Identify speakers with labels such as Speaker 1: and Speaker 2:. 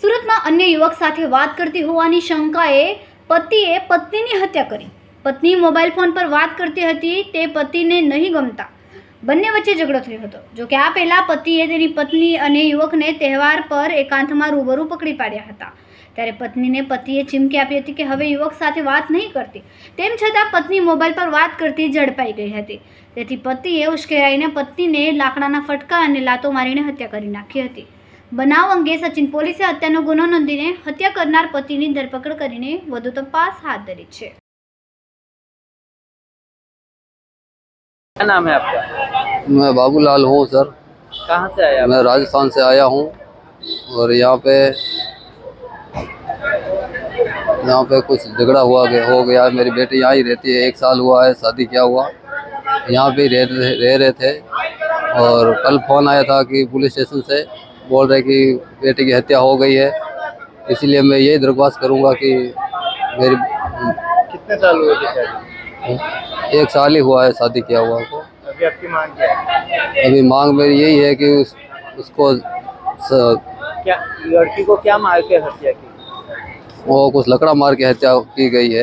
Speaker 1: સુરતમાં અન્ય યુવક સાથે વાત કરતી હોવાની શંકાએ પતિએ પત્નીની હત્યા કરી। પત્ની મોબાઈલ ફોન પર વાત કરતી હતી તે પતિને નહીં ગમતા બંને વચ્ચે ઝઘડો થયો હતો। જો કે આ પહેલા પતિએ તેની પત્ની અને યુવકને તહેવાર પર એકાંતમાં રૂબરૂ પકડી પાડ્યા હતા। ત્યારે પત્નીને પતિએ ચીમકી આપી હતી કે હવે યુવક સાથે વાત નહીં કરતી। તેમ છતાં પત્ની મોબાઈલ પર વાત કરતી ઝડપાઈ ગઈ હતી। તેથી પતિએ ઉશ્કેરાઈને પત્નીને લાકડાના ફટકા અને લાતો મારીને હત્યા કરી નાખી હતી। બનાવ અંગે સચિન પોલીસે હત્યાનો ગુનો નોંધીને હત્યા કરનાર પતિની ધરપકડ કરીને વધુ તપાસ હાથ ધરી છે।
Speaker 2: क्या नाम है आपका?
Speaker 3: मैं बाबूलाल हूँ सर।
Speaker 2: कहाँ से आया आप?
Speaker 3: मैं राजस्थान से आया हूँ और यहाँ पे कुछ झगड़ा हो गया। मेरी बेटी यहाँ ही रहती है, 1 साल हुआ है शादी किया हुआ, यहाँ पे रह रहे थे। और कल फ़ोन आया था कि पुलिस स्टेशन से बोल रहे कि बेटी की हत्या हो गई है। इसलिए मैं यही दरख्वास्त करूँगा कि मेरी
Speaker 2: कितने साल हुए थे शादी?
Speaker 3: 1 साल ही हुआ है शादी किया हुआ को।
Speaker 2: अभी आपकी मांग क्या है?
Speaker 3: अभी मांग मेरी यही है कि उसको
Speaker 2: क्या लड़की को क्या मार के हत्या की?
Speaker 3: वो कुछ लकड़ा मार के हत्या की गई है।